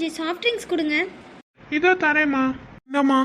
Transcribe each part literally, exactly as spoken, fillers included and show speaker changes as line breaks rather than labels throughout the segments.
கொஞ்சம் soft drinks கொடுங்க.
இதோ தரேம்மா. இந்தம்மா.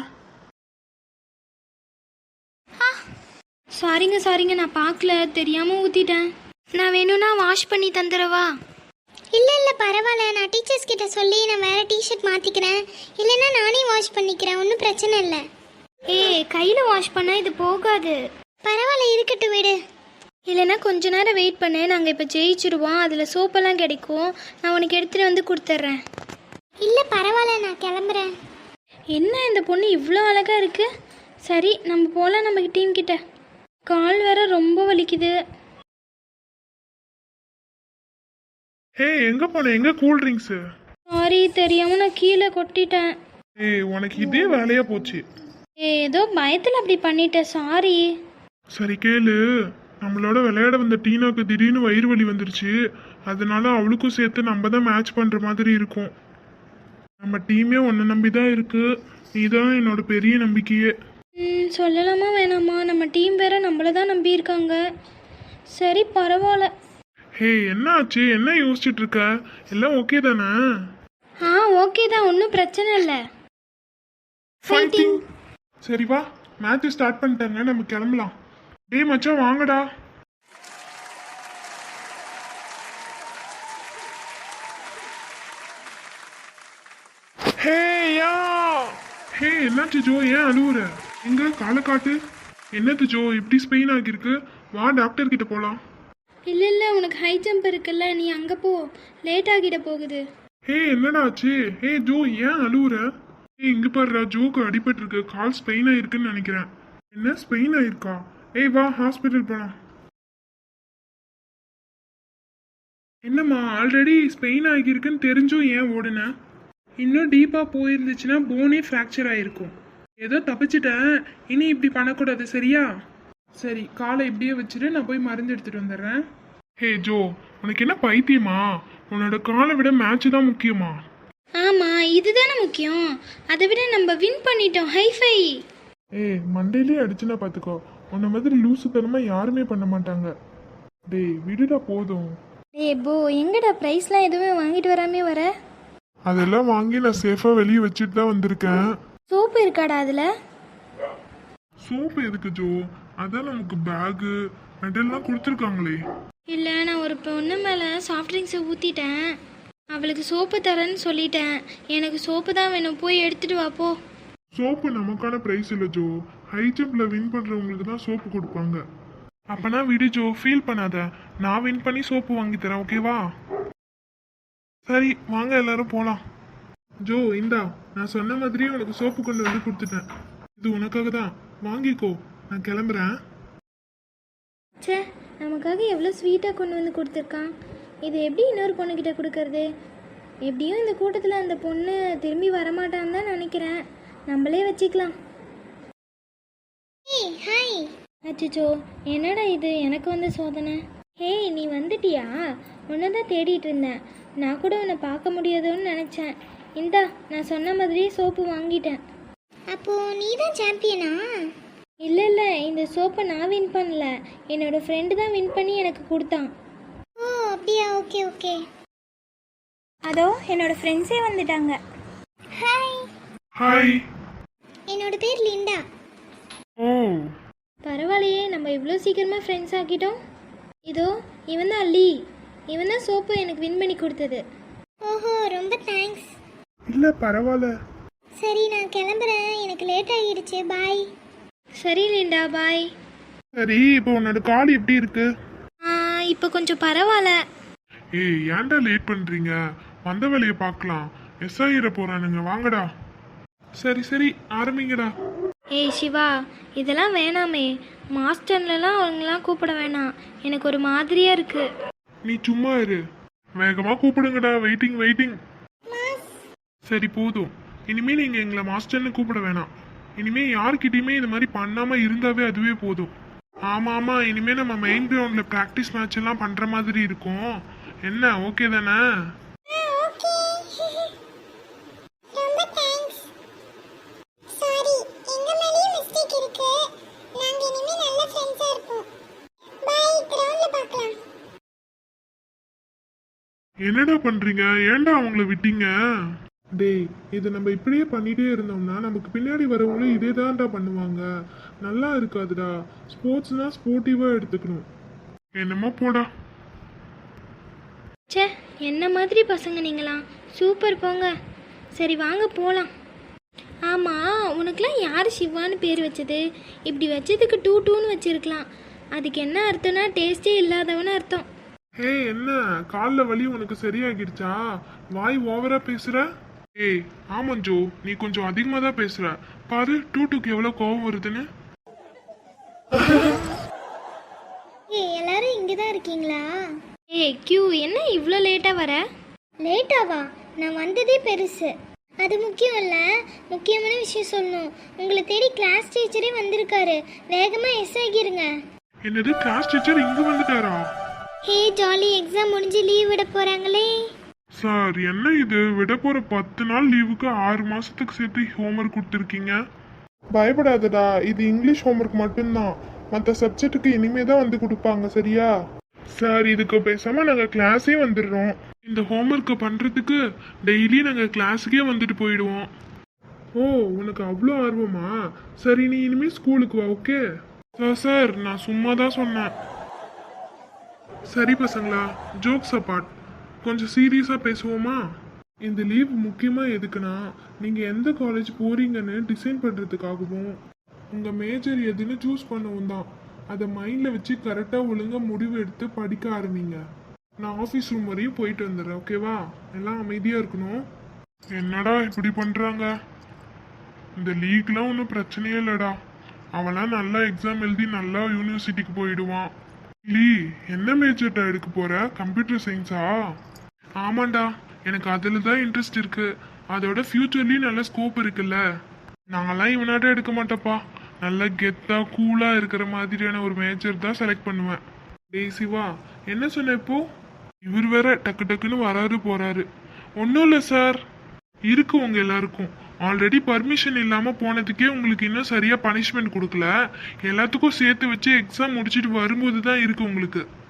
சாரிங்க சாரிங்க, நான் பார்க்கல, தெரியாமல் ஊற்றிட்டேன். நான் வேணும்னா வாஷ் பண்ணி தந்துடவா?
இல்லை இல்லை பரவாயில்ல, நான் டீச்சர்ஸ் கிட்ட சொல்லி நான் வேறு டிஷர்ட் மாற்றிக்கிறேன். இல்லைன்னா நானே வாஷ் பண்ணிக்கிறேன், ஒன்றும் பிரச்சனை இல்லை.
ஏய், கையில் வாஷ் பண்ணால் இது போகாது.
பரவாயில்ல, இருக்கட்டும் விடு.
இல்லைன்னா கொஞ்ச நேரம் வெயிட் பண்ணு, நாங்கள் இப்போ ஜெயிச்சிருவோம், அதில் சோப்பெல்லாம் கிடைக்கும், நான் உனக்கு எடுத்துகிட்டு வந்து கொடுத்துட்றேன்.
இல்லை பரவாயில்ல, நான் கிளம்புறேன்.
என்ன இந்த பொண்ணு இவ்வளோ அழகாக இருக்குது. சரி, நம்ம போகலாம் நம்ம டீம் கிட்ட. கால் வேற ரொம்ப வலிக்குது.
ஹே, எங்க போன? எங்க கூல் ட்ரிங்க்ஸ்?
சாரி, தெரியாமல் நான் கீழே கொட்டிட்டேன்.
ஏய், உனக்கு இதே வேலையா போச்சு.
ஏ, ஏதோ பயத்தில் அப்படி பண்ணிட்டேன், சாரி.
சரி கேளு, நம்மளோட விளையாட வந்த டீனாக்கு திடீர்னு வயிறு வலி வந்துருச்சு. அதனால அவளுக்கும் சேர்த்து நம்ம தான் மேட்ச் பண்ற மாதிரி இருக்கும். நம்ம டீமே உன்னை நம்பி தான் இருக்கு. நீ தான் என்னோட பெரிய நம்பிக்கையே.
ம் சொல்லலாமா வேணாமா? நம்ம டீம் வேற நம்மள தான் நம்பி இருக்காங்க. சரி பரவாயில்ல.
ஹே, என்ன ஆச்சு? என்ன யோசிச்சுட்டு இருக்க? எல்லாம் ஓகே தானே?
ஆ ஓகே தான், ஒன்றும் பிரச்சனை இல்லை. ஃபைட்டிங்.
சரி வா, மேட்ச் ஸ்டார்ட் பண்ணிட்டாங்க, நம்ம கிளம்பலாம். டேய் மச்சான், வாங்கடா. ஹே யா ஹே, என்னாச்சு ஜோ? ஏன் அழுவுற? எங்க காலை காட்டு. என்னது ஜோ, இப்படி ஸ்பெயின் ஆகிருக்கு? வா, டாக்டர் கிட்ட போலாம்.
இல்லை இல்லை, உனக்கு ஹை ஜம்ப் இருக்குல்ல, நீ அங்கே போ, லேட் ஆகிட போகுது.
ஹே, என்னடா ஆச்சு? ஹே ஜோ, ஏன் அழுவுற? ஏய், இங்க பாருடா, ஜோக்கு அடிபட்டு இருக்கு, கால் ஸ்பெயின் ஆயிருக்குன்னு நினைக்கிறேன். என்ன ஸ்பெயின் ஆயிருக்கா? ஏய் வா, ஹாஸ்பிட்டல் போலாம். என்னம்மா, ஆல்ரெடி ஸ்பெயின் ஆகியிருக்குன்னு தெரிஞ்சும் ஏன் ஓடுன? இன்னும் டீப்பாக போயிருந்துச்சுன்னா போனே ஃப்ராக்சர் ஆகிருக்கும். ஏதோ தப்பிச்சிட்டேன், இனி இப்படி பண்ணக்கூடாது, சரியா? சரி, காலை இப்படியே வச்சுட்டு நான் போய் மருந்து எடுத்துட்டு வந்துடுறேன். ஹே ஜோ, உனக்கு என்ன பைத்தியமா? உன்னோட காலை விட மேட்ச் தான் முக்கியமா?
ஆமாம், இதுதானே முக்கியம். அதை விட நம்ம வின் பண்ணிட்டோம், ஹைஃபை.
ஏய், மண்டையிலே அடிச்சுன்னா பார்த்துக்கோ. உன்ன மாதிரி லூசுத்தனமா யாருமே பண்ண மாட்டாங்க. டேய் விடுடா, போதும்.
ஏ போ, எங்கடா ப்ரைஸ்லாம் எதுவுமே வாங்கிட்டு வராமே வர?
அதெல்லாம் வாங்கி நான் சேஃபா வெளியே வச்சுட்டு தான் வந்திருக்கேன்.
சோப்பு இருக்காடா அதில்?
சோப்பு எதுக்கு ஜோ? அதான் நமக்கு பேகு மெடல்லாம் கொடுத்துருக்காங்களே.
இல்லை, நான் ஒரு பொண்ணு மேலே சாஃப்ட் ட்ரிங்க்ஸை ஊற்றிட்டேன், அவளுக்கு சோப்பு தரேன்னு சொல்லிட்டேன். எனக்கு சோப்பு தான் வேணும், போய் எடுத்துட்டு வா போ.
சோப்பு நமக்கான பிரைஸ் இல்லை ஜோ, ஹை ஜம்ப்ல வின் பண்றவங்களுக்கு தான் சோப்பு கொடுப்பாங்க. அப்பனா விடு ஜோ, ஃபீல் பண்ணாத, நான் வின் பண்ணி சோப்பு வாங்கி தரேன், ஓகேவா? சரி வாங்க, எல்லாரும் போலாம். ஜோ இந்தா, நான் சொன்ன மாதிரியே உனக்கு சோப்பு கொண்டு வந்து கொடுத்துட்டேன். இது உனக்காக தான், வாங்கிக்கோ. நான் கிளம்புறேன்.
சே, நமக்காக எவ்வளோ ஸ்வீட்டாக கொண்டு வந்து கொடுத்துருக்கான். இது எப்படி இன்னொரு பொண்ணுக்கிட்ட கொடுக்கறது? எப்படியும் இந்த கூட்டத்தில் அந்த பொண்ணு திரும்பி வரமாட்டான்னு தான் நினைக்கிறேன். நம்மளே வச்சுக்கலாம்.
ஏய் ஹாய்.
அச்சோ, என்னடா இது எனக்கு வந்த சோதனை. ஹேய், நீ வந்துட்டியா? உன்னை தான் தேடிட்டு இருந்தேன். நான் கூட உன்னை பார்க்க முடியாதோன்னு நினச்சேன். இந்தா, நான் சொன்ன மாதிரியே சோப்பு வாங்கிட்டேன்.
அப்போ நீ தான் சாம்பியனா?
இல்லை இல்லை, இந்த சோப்பை நான் வின் பண்ணல, என்னோட ஃப்ரெண்டு தான் வின் பண்ணி எனக்கு கொடுத்தான்.
ஓ அப்படியா, ஓகே ஓகே.
அதோ என்னோட ஃப்ரெண்ட்ஸே வந்துட்டாங்க.
ஹாய்.
ஹாய்.
என்னோட பேர் லிண்டா.
ஓ
பரவாயில்லையே, நம்ம இவ்வளோ சீக்கிரமாக ஃப்ரெண்ட்ஸ் ஆக்கிட்டோம். இதோ இவன் தான் லீ, இவன் தான் சோப்பு எனக்கு வின் பண்ணி கொடுத்தது.
ஓஹோ, ரொம்ப தேங்க்ஸ்.
இல்ல பரவாயில்ல.
சரி, நான் கிளம்புறேன், எனக்கு லேட் ஆகிடுச்சு, பாய்.
சரி லிண்டா, பாய்.
சரி, இப்போ உன்னோட கால் எப்படி இருக்கு?
இப்போ கொஞ்சம் பரவாயில்ல.
ஏய், ஏன்டா லேட் பண்றீங்க? வந்த வேலையை பார்க்கலாம். எஸ் ஆகிட போறானுங்க, வாங்கடா. சரி சரி, ஆரம்பிங்கடா.
ஏய் சிவா, இதெல்லாம் வேணாமே, மாஸ்டர்லலாம் அவங்களாம் கூப்பிட வேணாம், எனக்கு ஒரு மாதிரியாக இருக்குது.
நீ சும்மா இரு, வேகமா கூப்பிடுங்கடா. Waiting waiting. சரி போதும், இனிமே நீங்க எங்களை மாஸ்டர்னு கூப்பிட வேணாம். இனிமே யார்கிட்டயுமே இந்த மாதிரி பண்ணாம இருந்தாவே அதுவே போதும். ஆமா ஆமா, இனிமே நம்ம மெயின் கிரவுண்ட்ல பிராக்டிஸ் மேட்ச் எல்லாம் பண்ற மாதிரி இருக்கும். என்ன ஓகே தானே? என்னடா பண்றீங்க? ஏன்டா அவங்கள விட்டீங்க? டேய் இதை நம்ம இப்படியே பண்ணிட்டே இருந்தோம்னா நமக்கு பின்னாடி வரவங்களும் இதே தான்டா பண்ணுவாங்க. நல்லா இருக்காதுடா. ஸ்போர்ட்ஸ்னா ஸ்போர்ட்டிவா எடுத்துக்கணும். என்னமோ போடா.
ச்சே, என்ன மாதிரி பசங்க நீங்களாம். சூப்பர் போங்க. சரி வாங்க போகலாம். ஆமாம், உனக்குலாம் யார் சிவான்னு பேர் வச்சது? இப்படி வச்சதுக்கு டூ டூன்னு வச்சிருக்கலாம். அதுக்கு என்ன அர்த்தம்னா டேஸ்டே இல்லாதவன்னு அர்த்தம்.
ஹே என்ன காலில் வலி உனக்கு சரியாகிடுச்சா? வாய் ஓவரா பேசுற? ஏய் ஆமாம் ஜோ, நீ கொஞ்சம் அதிகமாக தான் பேசுற. பாரு டூ டூக்கு எவ்வளோ கோவம் வருதுன்னு.
ஏய் எல்லாரும் இங்கே தான் இருக்கீங்களா?
ஏய் கியூ, என்ன இவ்வளோ லேட்டாக வர?
லேட்டாவா? நான் வந்ததே பெருசு. அது முக்கியம் இல்லை, முக்கியமான விஷயம் சொல்லணும். உங்களை தேடி கிளாஸ் டீச்சரே வந்திருக்காரு. வேகமாக எஸ் ஆகிருங்க.
என்னது கிளாஸ் டீச்சர் இங்க வந்துட்டாரா?
ஹே ஜாலி, எக்ஸாம் முடிஞ்சு லீவ் விட போகிறாங்களே.
சார் என்ன இது, விட போற பத்து நாள் லீவுக்கு ஆறு மாசத்துக்கு சேர்த்து ஹோம்ஒர்க் கொடுத்துருக்கீங்க. பயப்படாதடா, இது இங்கிலீஷ் ஹோம்ஒர்க் மட்டும்தான். மற்ற சப்ஜெக்ட்டுக்கு இனிமே தான் வந்து கொடுப்பாங்க, சரியா? சார் இதுக்கு பேசாம நாங்க கிளாஸே வந்துடுறோம். இந்த ஹோம்ஒர்க்கை பண்றதுக்கு டெய்லி நாங்க கிளாஸுக்கே வந்துட்டு போயிடுவோம். ஓ உனக்கு அவ்வளோ ஆர்வமா? சரி நீ இனிமே ஸ்கூலுக்கு வா. Okay sir. சார் நான் சும்மா தான் சொன்னேன். சரி பசங்களா, ஜோக்ஸ் அப்பார்ட், கொஞ்சம் சீரியஸாக பேசுவோமா? இந்த லீவ் முக்கியமாக எதுக்குன்னா, நீங்கள் எந்த காலேஜ் போறீங்கன்னு டிசைன் பண்ணுறதுக்காகவும் உங்கள் மேஜர் எதுன்னு சூஸ் பண்ணவும் தான். அதை மைண்டில் வச்சு கரெக்டாக ஒழுங்காக முடிவு எடுத்து படிக்க ஆரம்பிங்க. நான் ஆஃபீஸ் ரூம் வரையும் போயிட்டு வந்துடுறேன். ஓகேவா? எல்லாம் அமைதியாக இருக்கணும். என்னடா இப்படி பண்ணுறாங்க? இந்த லீக்லாம் ஒன்றும் பிரச்சனையே இல்லைடா. அவன்லாம் நல்லா எக்ஸாம் எழுதி நல்லா யூனிவர்சிட்டிக்கு போயிடுவான். லீ என்ன மேஜர்டா எடுக்க போற? கம்ப்யூட்டர் சயின்ஸா? ஆமாண்டா, எனக்கு அதில் தான் இன்ட்ரெஸ்ட் இருக்கு. அதோட ஃபியூச்சர்லேயும் நல்ல ஸ்கோப் இருக்குல்ல. நான்லாம் இவனாட்ட எடுக்க மாட்டேப்பா. நல்லா கெத்தா கூலா இருக்கிற மாதிரியான ஒரு மேஜர் தான் செலக்ட் பண்ணுவேன். டேய் சிவா, என்ன சொன்ன இப்போ? இவர் வேற டக்கு டக்குன்னு வராரு போறாரு. ஒன்றும் இல்லை சார், இருக்கு உங்க எல்லாருக்கும். ஆல்ரெடி பர்மிஷன் இல்லாமல் போனதுக்கே உங்களுக்கு இன்னும் சரியாக பனிஷ்மெண்ட் கொடுக்கல. எல்லாத்துக்கும் சேர்த்து வச்சு எக்ஸாம் முடிச்சுட்டு வரும்போது தான் இருக்கு உங்களுக்கு.